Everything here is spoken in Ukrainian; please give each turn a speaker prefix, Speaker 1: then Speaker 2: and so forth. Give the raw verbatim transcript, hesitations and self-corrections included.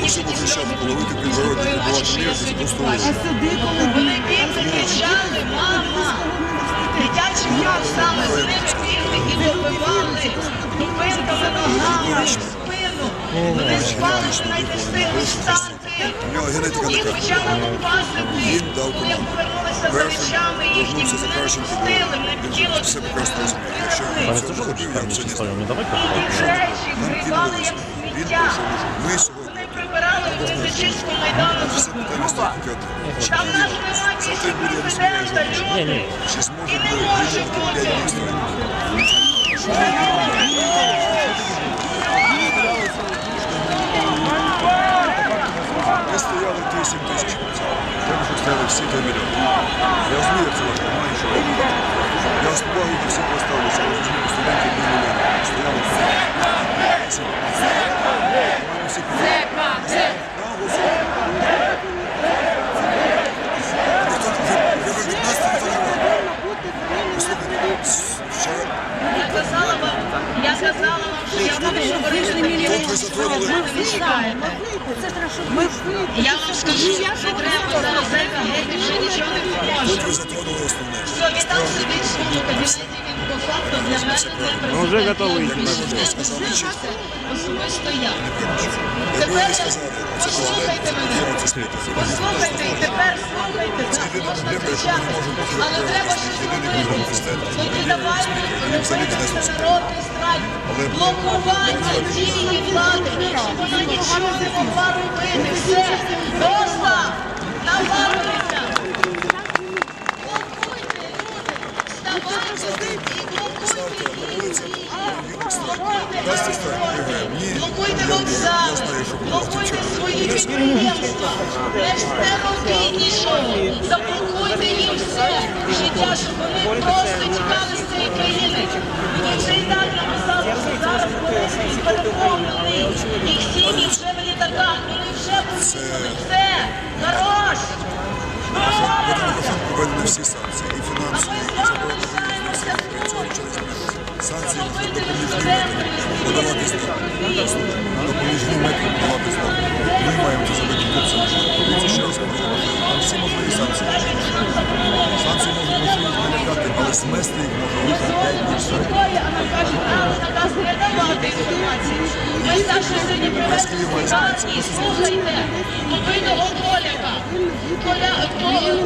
Speaker 1: Щоб захищати, половити підворотні, підбивати мір, це просто ужас.
Speaker 2: Вони бігли, кричали, мама. Дитячий кров саме з ними бігли і добивали дубинками ногами в спину. Вони спали, що навіть не встигли встати. Їх почали лупасити. Коли повернулися за речами їхніми, вони не пустили, не тіло
Speaker 1: Все прекрасно розумію. Якщо я
Speaker 3: Пане,
Speaker 1: це
Speaker 3: це
Speaker 1: не
Speaker 3: ж
Speaker 1: ходив, я б це не знав.
Speaker 3: не давайте.
Speaker 2: Їх речі зривали як сміття.
Speaker 1: Ми сьогодні
Speaker 2: Вони прибирали в Лисичинську майдану.
Speaker 1: це питання стоїть.
Speaker 2: Там наш нема місця президента, люди.
Speaker 1: Чи
Speaker 2: І
Speaker 1: зможе
Speaker 2: не може бути.
Speaker 1: Ми стояли вісім тисяч працювали. Треба, щоб стояли всі три мільйони. Я знаю, як це важко, маю що робити. Я з повагою до всіх поставлюся, але розумію, студентів не мільйони. Стояли вісім. Ми всі підтримали.
Speaker 2: Я казала вам, я казала вам, що я буду говорити такі речі. Я вам скажу, не треба зараз зайка, геть вже нічого не
Speaker 1: Тут
Speaker 2: поможе.
Speaker 1: ви затронули основне.
Speaker 2: Що він там сидить в своєму кабінеті, він по факту для мене не
Speaker 3: Вже готовий.
Speaker 1: Як ми вже сказали чітко,
Speaker 2: особисто я.
Speaker 1: не приміщу. Якби
Speaker 2: Тепер
Speaker 1: ви сказали, це
Speaker 2: послухайте
Speaker 1: президент,
Speaker 2: мене.
Speaker 1: я це спитав.
Speaker 2: Послухайте і тепер слухайте, так, можна кричати, але треба щось робити. Тоді давайте робити всенародний страйк, блокування дії влади, щоб вона нічого не могла робити. Все, просто навалюється. Блокуйте, люди, вставайте і блокуйте її.
Speaker 1: Дасться страйк, виграємо. Ні,
Speaker 2: Блокуйте
Speaker 1: я-
Speaker 2: вокзали,
Speaker 1: я знаю, що
Speaker 2: блокуйте свої підприємства, не робіть нічого, заблокуйте їм все життя, щоб вони просто тікали з цієї країни. Мені вже і так написали, що зараз вони переповнені, їх сім'ї вже в літаках, вони вже поїхали, все, хорош!
Speaker 1: Введені всі санкції, і
Speaker 2: А
Speaker 1: фінансові,
Speaker 2: ми
Speaker 1: і
Speaker 2: з вами
Speaker 1: заборонені
Speaker 2: лишаємося тут.
Speaker 1: санкції на
Speaker 2: Робити
Speaker 1: допоміжні
Speaker 2: студентами,
Speaker 1: метри подавати знову. Допоміжні метри подавати знову. Ми маємо це зробити тут самі. Це ще раз кажу. Там всі можливі санкції. Санкції можуть можливо налякати, але смести їх може лише п'ять днів.
Speaker 2: Шукає, а нам кажуть, а наказ не давати інформацію. Ми старші сьогодні привезли з лікарні, слухайте, побитого Поляка. Поля,